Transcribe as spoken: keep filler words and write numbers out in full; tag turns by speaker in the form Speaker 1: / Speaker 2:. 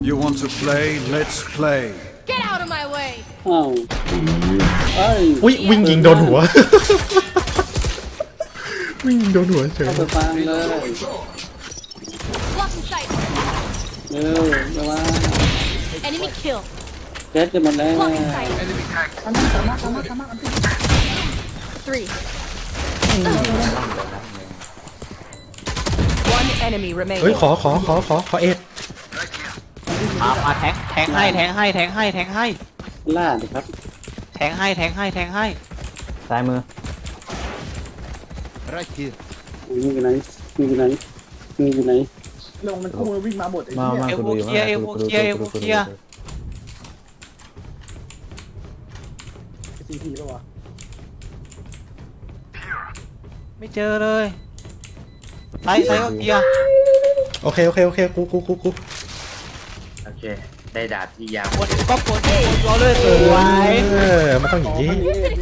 Speaker 1: You want to play? Let's play.
Speaker 2: Get out of my way.
Speaker 3: อ้าวเอ้ย
Speaker 4: อุ้ยวิ่งยิงโดนหัว วิ่งยิงโดนหัวเฉย
Speaker 3: เข้าไปฟังเลย
Speaker 2: Blocking sight.
Speaker 3: เร็วเร็วว่า
Speaker 2: Enemy kill.
Speaker 3: เจ็ดจะหมดแล้ว
Speaker 2: Blocking sight. Three.
Speaker 5: One enemy
Speaker 4: เฮ้ย
Speaker 5: remaining.
Speaker 4: ขอขอขอขอขอเอ็ด
Speaker 6: มามาแทงแทงให้แทงให้แทงให้แทงให้
Speaker 3: ล่าดิครับ
Speaker 6: แทงให้แทงให้แทงให้
Speaker 7: ซ้ายมือ
Speaker 1: Right here.
Speaker 3: มึงอยู่ไหนมึงอยู่ไหนมึงอยู่ไหน
Speaker 8: ลงมันคู่มันวิ่งมาหมดไอ้
Speaker 7: มา
Speaker 8: เหี้ย
Speaker 7: มา
Speaker 6: เอ
Speaker 7: กู
Speaker 6: โว
Speaker 7: ดูอยู่
Speaker 6: เคลียร์เอโวเคลียร์เอโวเคลียร์
Speaker 8: ซีพีป่ะวะ
Speaker 6: ไม่เจอเลยไซส์ไซส์ก็เคลียร์
Speaker 4: โอเคโอเคโอเคกูกูกูกู
Speaker 9: โอเค ได้ดาบที่ยาว
Speaker 6: กดก็กดกดรอเลยสวย
Speaker 4: เออมันต้องอย่างนี้